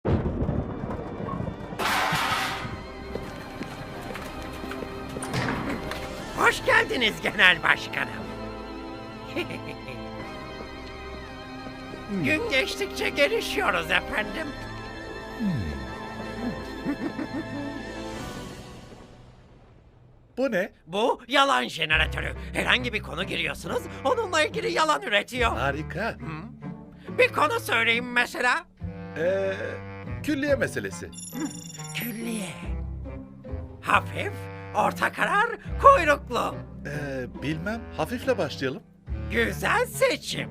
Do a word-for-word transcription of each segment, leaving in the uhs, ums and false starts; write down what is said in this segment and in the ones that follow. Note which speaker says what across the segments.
Speaker 1: Hoş geldiniz Genel Başkanım. Gün geçtikçe gelişiyoruz efendim.
Speaker 2: Bu ne?
Speaker 1: Bu yalan jeneratörü. Herhangi bir konu giriyorsunuz, onunla ilgili yalan üretiyor.
Speaker 2: Harika.
Speaker 1: Bir konu söyleyin mesela.
Speaker 2: Ee, külliye meselesi.
Speaker 1: Külliye. Hafif, orta karar, kuyruklu.
Speaker 2: Ee, bilmem. Hafifle başlayalım.
Speaker 1: Güzel seçim.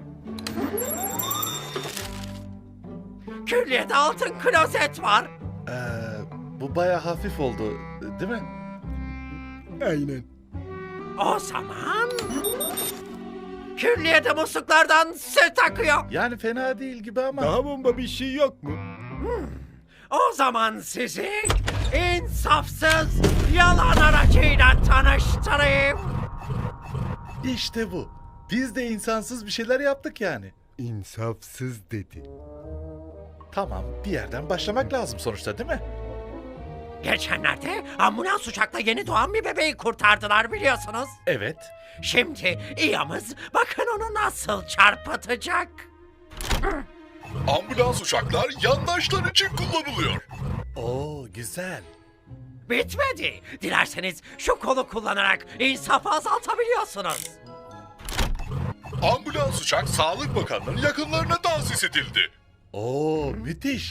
Speaker 1: Külliyede altın klozet var.
Speaker 2: Ee, bu baya hafif oldu, değil mi?
Speaker 3: Aynen.
Speaker 1: O zaman... Külliyede musluklardan süt akıyor.
Speaker 2: Yani fena değil gibi ama.
Speaker 3: Daha bomba bir şey yok mu?
Speaker 1: O zaman sizi insafsız yalan aracıyla tanıştırayım.
Speaker 2: İşte bu. Biz de insansız bir şeyler yaptık yani.
Speaker 3: İnsafsız dedi.
Speaker 2: Tamam, bir yerden başlamak lazım sonuçta, değil mi?
Speaker 1: Geçenlerde ambulans uçakla yeni doğan bir bebeği kurtardılar biliyorsunuz.
Speaker 2: Evet.
Speaker 1: Şimdi İyamız bakın onu nasıl çarpıtacak.
Speaker 4: Ambulans uçaklar yandaşlar için kullanılıyor.
Speaker 2: Oo, güzel.
Speaker 1: Bitmedi. Dilerseniz şu kolu kullanarak insafı azaltabiliyorsunuz.
Speaker 4: Ambulans uçak Sağlık Bakanlığı'nın yakınlarına tahsis edildi.
Speaker 2: Oo, müthiş.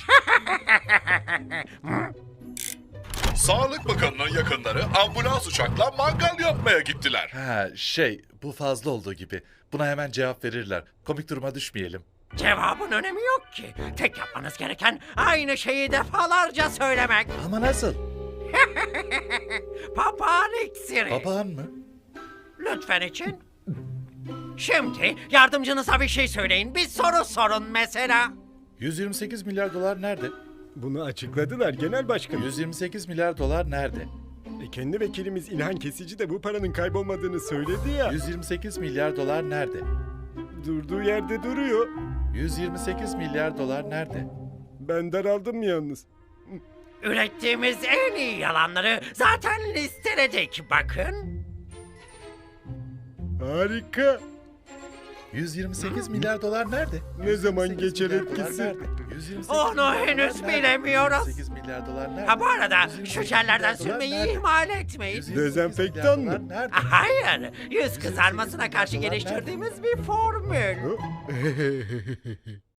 Speaker 4: Sağlık Bakanlığı'nın yakınları ambulans uçakla mangal yapmaya gittiler.
Speaker 2: Ha, şey, bu fazla olduğu gibi. Buna hemen cevap verirler. Komik duruma düşmeyelim.
Speaker 1: Cevabın önemi yok ki. Tek yapmanız gereken aynı şeyi defalarca söylemek.
Speaker 2: Ama nasıl?
Speaker 1: Papağan iksiri.
Speaker 2: Papağan mı?
Speaker 1: Lütfen için. Şimdi yardımcınıza bir şey söyleyin. Bir soru sorun mesela.
Speaker 2: yüz yirmi sekiz milyar dolar nerede?
Speaker 3: Bunu açıkladılar genel başkanım.
Speaker 2: yüz yirmi sekiz milyar dolar nerede?
Speaker 3: E, kendi vekilimiz İlhan Kesici de bu paranın kaybolmadığını söyledi ya.
Speaker 2: yüz yirmi sekiz milyar dolar nerede?
Speaker 3: Durduğu yerde duruyor.
Speaker 2: yüz yirmi sekiz milyar dolar nerede?
Speaker 3: Ben daraldım yalnız.
Speaker 1: Ürettiğimiz en iyi yalanları zaten listeledik bakın.
Speaker 3: Harika.
Speaker 2: yüz yirmi sekiz milyar dolar nerede?
Speaker 3: Ne zaman
Speaker 2: yüz yirmi sekiz
Speaker 3: geçer
Speaker 2: milyar dolar
Speaker 3: etkisi?
Speaker 2: nerede? yüz yirmi sekiz
Speaker 1: Onu
Speaker 2: milyar dolar
Speaker 1: henüz
Speaker 2: nerede?
Speaker 1: bilemiyoruz.
Speaker 2: yüz yirmi sekiz milyar dolar nerede?
Speaker 1: Ha bu arada
Speaker 2: yüz yirmi
Speaker 1: şu
Speaker 2: sekiz
Speaker 1: jellerden
Speaker 2: milyar dolar
Speaker 1: sürmeyi
Speaker 2: nerede?
Speaker 1: ihmal etmeyin.
Speaker 2: yüz yirmi sekiz
Speaker 3: Dezenfektan
Speaker 2: milyar
Speaker 3: mı?
Speaker 2: dolar nerede?
Speaker 1: Hayır, yüz kızarmasına karşı geliştirdiğimiz bir formül.
Speaker 3: Hı?